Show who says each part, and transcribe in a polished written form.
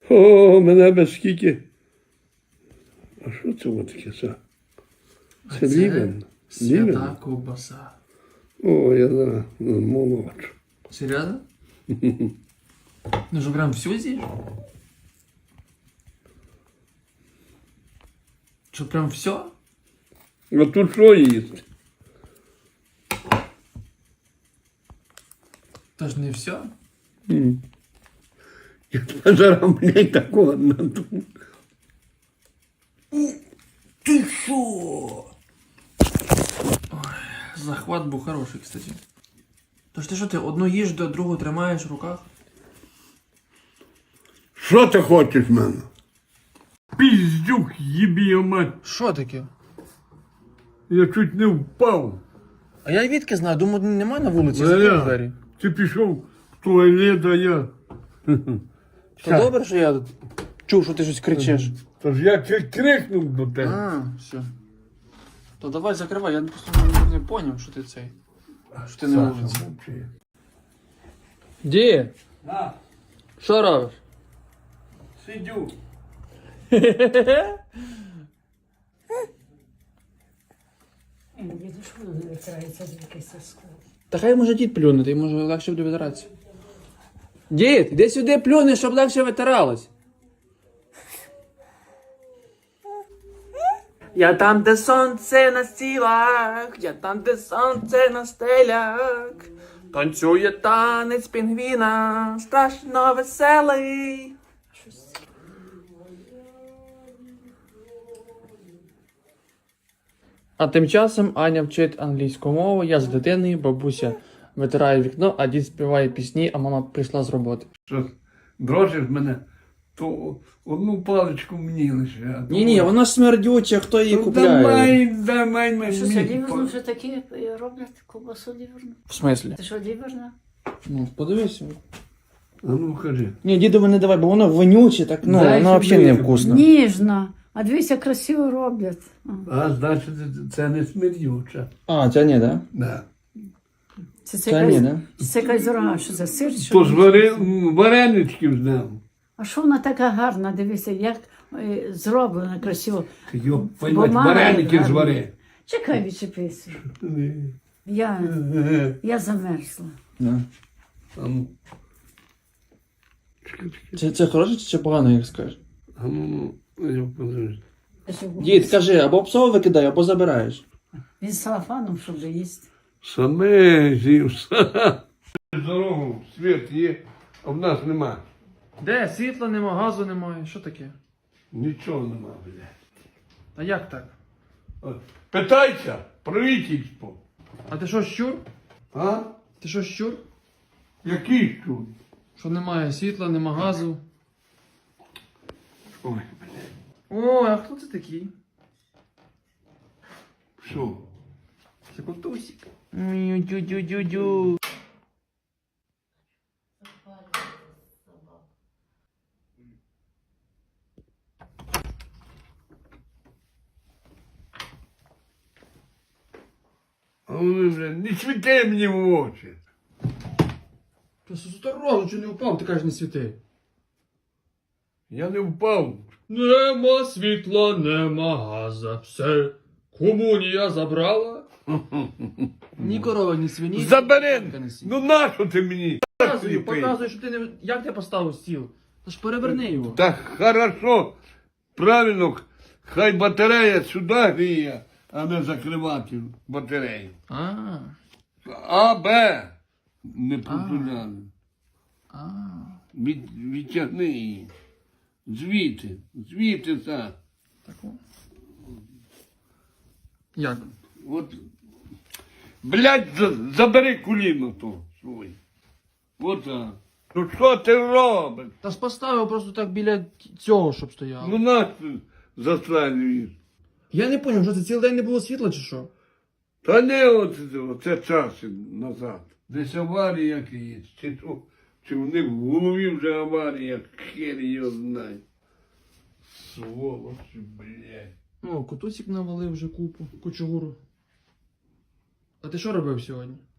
Speaker 1: О, мене без скільки. А що це от таке? Це лівен?
Speaker 2: Свята ковбаса.
Speaker 1: О, я знаю, молодшу.
Speaker 2: Серйозно? Ну що, прям всю з'їш? Що, прям все?
Speaker 1: А тут що їсти?
Speaker 2: Та ж не все?
Speaker 1: Я зараз, блядь, такого надумав.
Speaker 2: Ти що? Ой, захват був хороший, кстати. Тож ти що, ти одну їж, до другу тримаєш в руках?
Speaker 1: Що ти хочеш в мене? Піздюк, їбі його мать.
Speaker 2: Що таке?
Speaker 1: Я чуть не впав.
Speaker 2: А я відки знаю, думаю, немає на вулиці, закрив двері.
Speaker 1: Ти пішов в туалет, а я...
Speaker 2: То добре, що я чув, що ти щось кричиш.
Speaker 1: Тож я чуть крикнув до тебе.
Speaker 2: А, все. То давай закривай, я просто не поняв, що ти цей. Що ти не на вулиці. Ді?
Speaker 1: На,
Speaker 2: Що робиш?
Speaker 1: сидю.
Speaker 3: Діду, що воно не витирається звідки соску?
Speaker 2: Та хай може дід плюнути, може легше буде витиратися. Дід, іди сюди плюни, щоб легше витиралось. Я там, де сонце на стілах, я там, де сонце на стелях. Танцює танець пінгвіна, страшно веселий. А тим часом Аня вчить англійську мову, я з дитиною, бабуся витирає вікно, а дід співає пісні, а мама прийшла з роботи.
Speaker 1: Що, дрожиш мене, то одну паличку мені лише.
Speaker 2: Ні, вона ж смердюча, хто її
Speaker 1: Ну,
Speaker 2: купляє?
Speaker 1: давай мені.
Speaker 3: Що це ліверну вже такі роблять ковбасу ліверну?
Speaker 2: В смислі?
Speaker 3: Це що ліверна?
Speaker 2: Ну, подивися.
Speaker 1: А ну, кажи.
Speaker 2: Ні, дідове не давай, бо воно вонюче, так, ну,
Speaker 1: Дай
Speaker 2: воно взагалі не
Speaker 1: собі.
Speaker 2: вкусно.
Speaker 3: Ніжна. А дивіться, красиво роблять.
Speaker 1: А, значить, це не смердюча.
Speaker 2: А, ця ні, да?
Speaker 1: Да.
Speaker 3: Це
Speaker 2: ні,
Speaker 3: якась,
Speaker 2: да?
Speaker 3: це якась дорога, що за сир? Що?
Speaker 1: То ж вареничків знав.
Speaker 3: А що вона така гарна, дивіться, як зроблена красиво.
Speaker 1: Йо, понімаєш,
Speaker 3: Бумага
Speaker 1: вареники
Speaker 3: гарна.
Speaker 1: звари.
Speaker 3: Чекай, відчепися. Я замерзла.
Speaker 2: Да.
Speaker 1: А ну.
Speaker 2: Це хороше чи погано, як скажеш?
Speaker 1: А ну, я подивлюсь.
Speaker 2: Дід, кажи, або псово викидай, або забираєш.
Speaker 3: Він з салафаном, щоб їсти.
Speaker 1: Саме зівся. Дорогу, світ є, а в нас нема.
Speaker 2: Де? Світла нема, газу немає, що таке?
Speaker 1: Нічого нема, блядь.
Speaker 2: А як так?
Speaker 1: От, питайся, правительство.
Speaker 2: А ти що, щур?
Speaker 1: А?
Speaker 2: Ти що, щур?
Speaker 1: Який тут?
Speaker 2: Що немає світла, нема газу.
Speaker 1: Ой, блядь.
Speaker 2: О, а хто це такий?
Speaker 1: Що?
Speaker 2: Це котусик. Дю-дю-дю-дю.
Speaker 1: А вони, блядь, не світи мені в очі.
Speaker 2: Ти осторожно, чи не впав, ти кажеш, не світи.
Speaker 1: Я не впав.
Speaker 2: Нема світла, нема газа, все. Комунія забрала. Ні корова, ні свині.
Speaker 1: Забери!
Speaker 2: не сі.
Speaker 1: Ну нащо ти мені?
Speaker 2: Показуй, що ти не... Як ти поставив стіл? Та ж переверни його.
Speaker 1: Так хорошо, правильно, хай батарея сюди гріє, а не закривати батарею. А, Б. Не посуляно. Відтягни її. Звідти так.
Speaker 2: Таку. Як?
Speaker 1: От. Блядь, забери коліно то своє. От так. Ну що ти робиш?
Speaker 2: Та ж поставив просто так біля цього, щоб стояло.
Speaker 1: Ну нас застрелюєш.
Speaker 2: Я не зрозумів, що це цілий день не було світла чи що?
Speaker 1: Та не оце час назад. Десь аварія якась, чи в них в голові вже аварія, хер його знає. Сволочі, блядь.
Speaker 2: О, котусик навалив вже кучугуру. А ти що робив сьогодні?